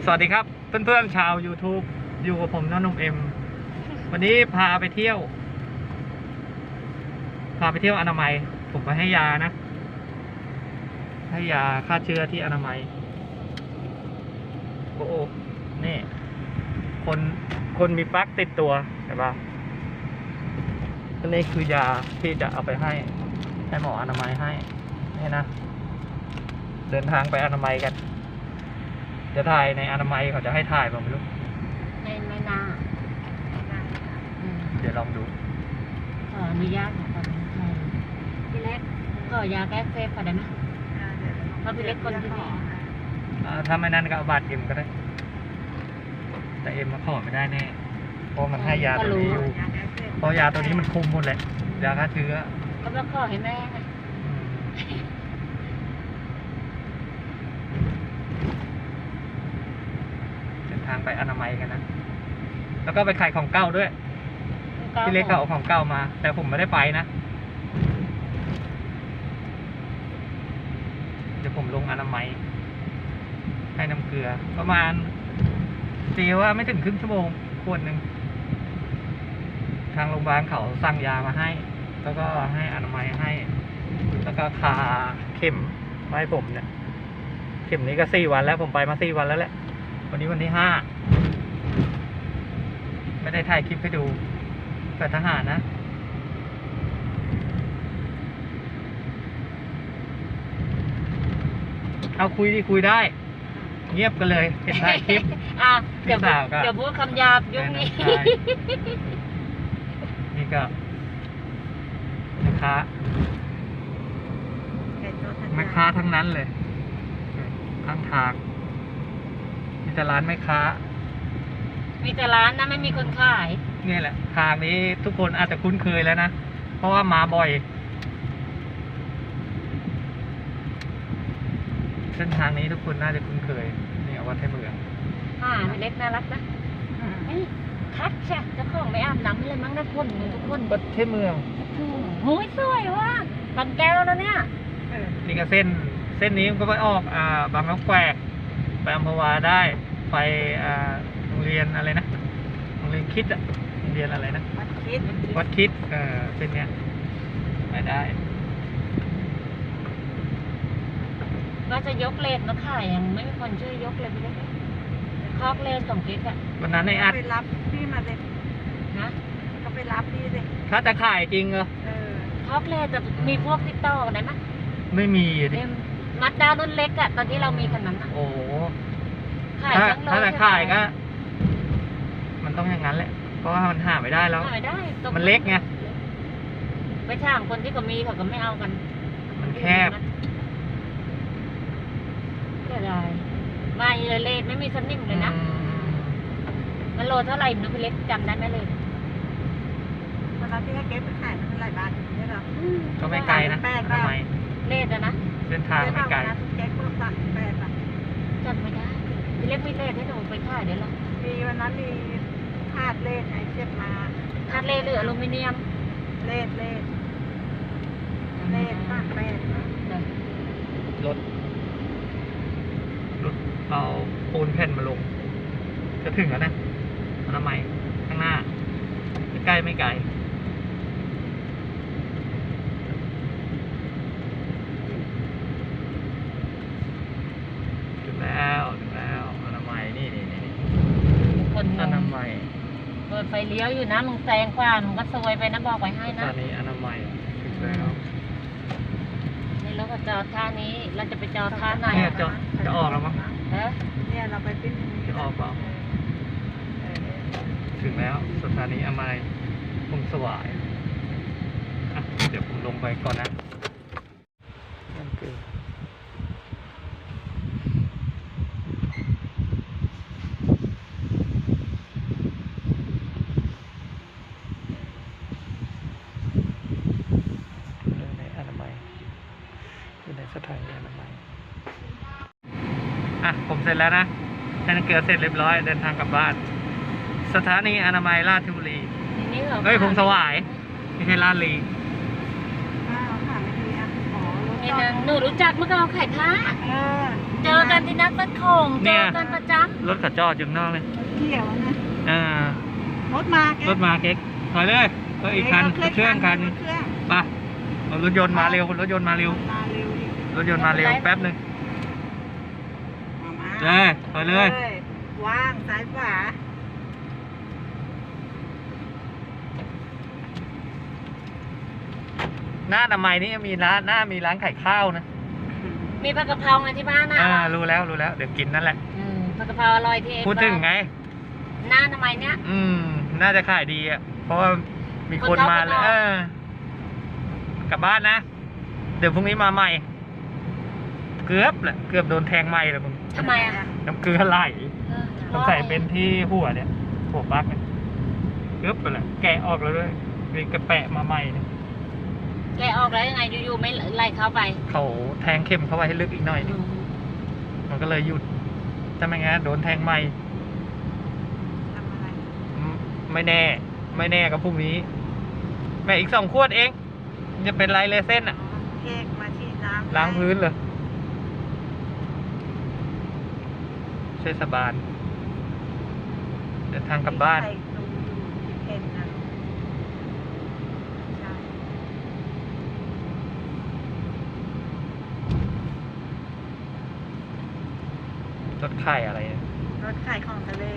สวัสดีครับเพื่อนๆชาว YouTube อยู่กับผมน้องนุ่มเอ็มวันนี้พาไปเที่ยวอนามัยผมไปให้ยานะให้ยาฆ่าเชื้อที่อนามัยโอ้นี่คนมีปลั๊กติดตัวใช่ปะนี่คือยาที่จะเอาไปให้หมออนามัยให้นี่นะเดินทางไปอนามัยกันจะถ่ายในอนามัยเขาจะให้ถ่ายผมไม่รู้ไม่น่าเดี๋ยวลองดูขออนุญาตของคนไทยพี่เล็กก็ยาแก้เซฟพอได้ไหมเพราะพี่เล็กคนที่นี่ถ้าไม่นั่นก็เอาบัตรเอ็มก็ได้แต่เอ็มมาขอไม่ได้แน่เพราะมันให้ยาตัวนี้อยู่เพราะยาตัวนี้มันคุมหมดแหละยาฆ่าเชื้อก็ต้องขอให้แม่ไงทางไปอนามัยกันนะแล้วก็ไปขายของเก่าด้วยพี่เล็กเขาเอาของเก่ามาแต่ผมไม่ได้ไปนะเดี๋ยวผมลงอนามัยให้น้ำเกลือประมาณตีว่าไม่ถึงครึ่งชั่วโมงขวดหนึ่งทางโรงพยาบาลเขาสั่งยามาให้แล้วก็ให้อนามัยให้แล้วก็คาเข็มมาให้ผมเนี่ยเข็มนี้ก็4 วันแล้วผมไปมา4 วันแล้วแหละวันนี้วันที่5ไม่ได้ถ่ายคลิปให้ดูแต่ทหารนะเอาคุยได้เงียบกันเลยเห็นถ่ายคลิปเดี๋ยวพูดคำหยาบยุ่งนี้นี่ก็แม่ค้าทั้งนั้นเลยข้างทางมีแต่ร้านแม่ค้ามีแต่ร้านนะไม่มีคนขายนี่แหละทางนี้ทุกคนอาจจะคุ้นเคยแล้วนะเพราะว่ามาบ่อยเส้นทางนี้ทุกคนน่าจะคุ้นเคยนี่วัดไทยเมืองเล็กน่ารักนะคัดใช่เจ้าของไม่อาบน้ำเลยมั้งนะคนทุกคนวัดไทยเมืองโอ้ยสวยว่ะบางแก้วแล้วเนี่ยนี่ก็เส้นนี้ก็ไปออกบางน้ำแควกไปอัมพวาได้ไปโรงเรียนอะไรนะโรงเรียนคิดอะโรงเรียนอะไรนะวัดคิดเส้นเนี้ยไปได้ว่าจะยกเลนมาขายยังไม่มีคนช่วยยกเลยพี่เล็กคอกเลนของกิ๊กอะวันนั้นในอัดไปรับพี่มาเลยนะก็ไปรับพี่เลยถ้าจะขายจริงเหรอคอกเลนจะมีพวกติดต่อได้ไหมไม่มีดิมัดดาวรุ่นเล็กอะตอนที่เรามีคันนั้นอะโอ้ถ้าจะขายก็มันต้องอย่างนั้นแหละเพราะว่ามันหาไม่ได้แล้วมันเล็กไงไปช่างคนที่ก็มีเขาก็ไม่เอากันมันแคบก็ได้มาเลยไม่มีสนิมเลยนะมันโลเท่าไหร่นุ๊กเล็กจำได้ไหมเลยวันนั้นที่ให้เก็บไปขายมันเท่าไหร่บาทเนี่ยหรอก็ไม่ไกลนะทำไมเลดนะเส้นทางไม่ไกลเก็บเพิ่มสั่ง8 บาทจำไม่ได้พี่เล็กไม่เลดให้หนูไปขายเดี๋ยวหรอมีวันนั้นมีคาดเลดไอ้เชือกมาคาดเลดหรืออลูมิเนียมเลดตั้ง8 รถเอาปูนแผ่นมาลงจะถึงแล้วนะอนามัยข้างหน้าใกล้ไม่ไกลถึงแล้วอนามัยนี่คนอนามัยเปิดไฟเลี้ยวอยู่นะมึงแซงขวามึงก็ซวยไปนะบอกไว้ให้นะตอนนี้อนามัยถึงแล้วนี่เราก็จอดท่านี้เราจะไปจอดท่าไหนเนี่ยจะออกแล้วมั้งเนี่ยเราไปปิ้นจะออกเปล่าถึงแล้วสถานีอนามัยพงสวายเดี๋ยวผมลงไปก่อนนะนั่นคือในอนามัยอยู่ในสถานีอนามัยผมเสร็จแล้วนะให้น้ำเกลือเสร็จเรียบร้อยเดินทางกลับบ้านสถานีอนามัยราชบุรีพงสวายไม่ใช่ราชบุรีนี่นะหนูรู้จักเมื่อก่อนขายผ้าเออเจอกันที่นักบัดของเจอกันประจรถเขาจอดอยู่ข้างนอกเลยเกี่ยวนะอ่ารถมาแกรถมาเก๊กถอยเลยก็อีกคันเครื่องคันเครื่องไปเอารถยนต์มาเร็วรถยนต์มาเร็วมาเร็วดิรถยนต์มาเร็วแป๊บหนึงมาเลยถอยเลยว่างซ้ายขวาหน้าทำไมยนี่มีร้านมีร้านขายข้าวนะำมีผักกะเพราไงที่บ้านนะรู้แล้วเดี๋ยวกินนั่นแหละผักกะเพราอร่อยที่เอ็มพูดถึงไงหน้าทำไมเนี้ยน่าจะขายดีอ่ะเพราะว่ามีคนมาแล้วกลับบ้านนะ เดี๋ยวพรุ่งนี้มาใหม่ เกือบโดนแทงไหม้เลยมึงทำไมอ่ะน้ำเกลือไหลสงสัยเป็นที่หัวเนี่ยหัวปลั๊กเนี่ยเกือบไปเลยแกะออกแล้วด้วยมีกระแปะมาใหม่เนี่ยแกออกแล้วยังไงอยู่ๆไม่ไล่เข้าไปเขาแทงเข็มเข้าไปให้ลึกอีกหน่อยนึงมันก็เลยหยุดถ้าไม่งั้นโดนแทงใหม่ทำอะไรไม่แน่ก็พรุ่งนี้ แม่อีก2 ขวดเองจะเป็นไรเลยเส้นอ่ะเค้กมาฉีดน้ำล้างพื้นเลยเทศบาลเดินทางกลับบ้านใส่ดูที่เพนนะใช่รถไข่อะไรเนี่ยรถขายของทะเล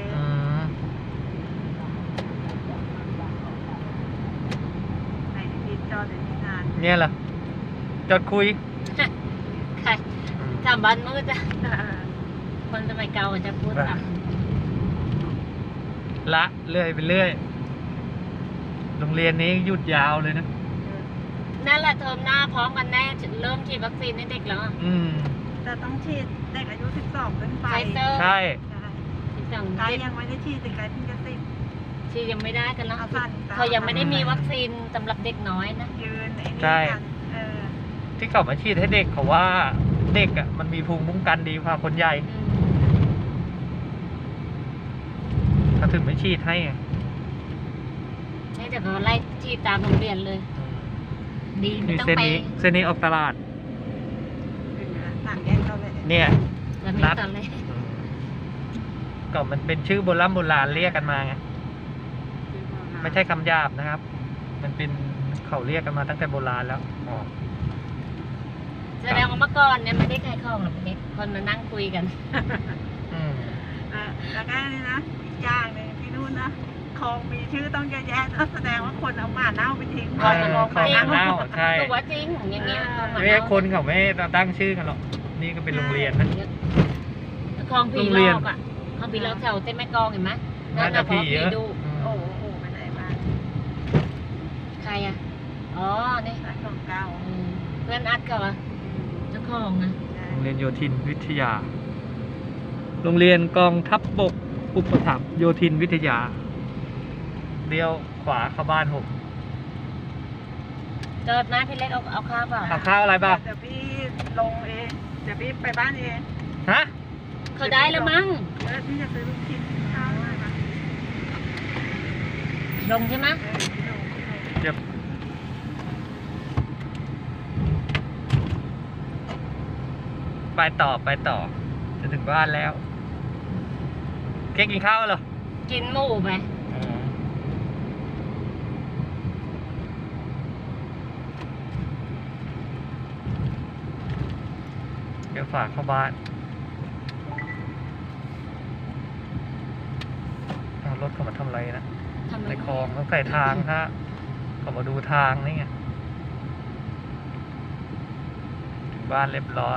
ไหนที่จอดอยู่ที่นานเนี่ยเหรอจอดคุยใครทำบ้านมืดจ้ะคนสมัยเก่าจะพูดทละเรื่อยไปเรื่อยโรงเรียนนี้หยุดยาวเลยนะำนั่นแหละเทอมหน้าพร้อมกันแน่เริ่มฉีดวัคซีนให้เด็กแล้วอะแต่ต้องฉีดเด็กอายุ 12 ขึ้นไปไฟเซอร์ใช่ที่สั่งไกด์ยังไม่ได้ฉีดแต่ไกด์เพิ่งจะติดฉีดยังไม่ได้กันแล้วเอาสั่นเขายังไม่ได้มีวัคซีนสำหรับเด็กน้อยนะยืนไอ้นี่ใช่กันที่เขามาฉีดให้เด็กเขาว่าเด็กอ่ะมันมีภูมิคุ้มกันดีกว่าคนใหญ่เขาถึงไม่ฉีดให้ไงนี่แต่เขาไล่ฉีดตามโรงเรียนเลย ดีไม่นี่ต้องเส้นไปนี้เส้นนี้ออกตลาดสั่งแยกเขาเลยเนี่ยแล้วไม่ตอนเลยก็มันเป็นชื่อโบราณเรียกกันมาไงไม่ใช่คำหยาบนะครับ มันเป็นเขาเรียกกันมาตั้งแต่โบราณแล้วอ๋อแสดงว่าเมื่อก่อนเนี่ยไม่ได้ขายของหรอกเด็กคนมานั่งคุยกันแล้วก็นี่นะอีกอย่างหนึ่งที่นู่นนะคลองมีชื่อต้องเยอะแยะนะแสดงว่าคนเอาหมาเน่าไปทิ้งใช่ของเน่าใช่ตัวจริงอย่างเงี้ยไม่ใช่คนเขาไม่ตั้งชื่อกันหรอกนี่ก็เป็นโรงเรียนนะคลองผีลอกอ่ะคลองผีลอกแถวเส้นแม่กลองเห็นไหมน่าจะผีเยเยอะอะดูโอ้โหไปไหนมาใครอ่ะอ๋อนี่ร้านของเก่าเพื่อนอัดเขาอ่ะเจ้าของนะโรงเรียนโยธินวิทยา โรงเรียนกองทัพบกอุปถัมภ์โยธินวิทยาเลี้ยวขวาเข้าบ้านผมเจิดนะพี่เล็กเอาข้าวเปล่าเอาข้าวอะไรบ้างเดี๋ยวพี่ลงเองเดี๋ยวพี่ไปบ้านเองฮะเขาได้แล้วมั้งแล้วพี่จะซื้อลูกชิ้นข้าวให้มาลงใช่ไหมพี่ลงเดี๋ยวไปต่อจะถึงบ้านแล้วเก๊กกินข้าวเหรอกินหมูไปเดี๋ยวฝากเข้าบ้านเอารถเขามาทำอะไรนะทำไมในคลองเขาใส่ทางฮะเขามาดูทางนี่ไงถึงบ้านเรียบร้อย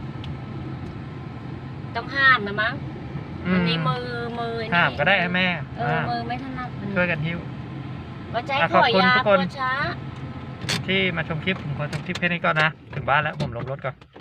ต้องห้ามนะมั้งอันนี้มือนี่ห้ามก็ได้ให้แม่มือไม่ถนัดช่วยกันหิ้วว่าใจอ่ะขอยาขอบคุณทุกคนปวดช้าที่มาชมคลิปผมขอชมคลิปแค่นี้ก่อนนะ ถึงบ้านแล้วผมลงรถก่อน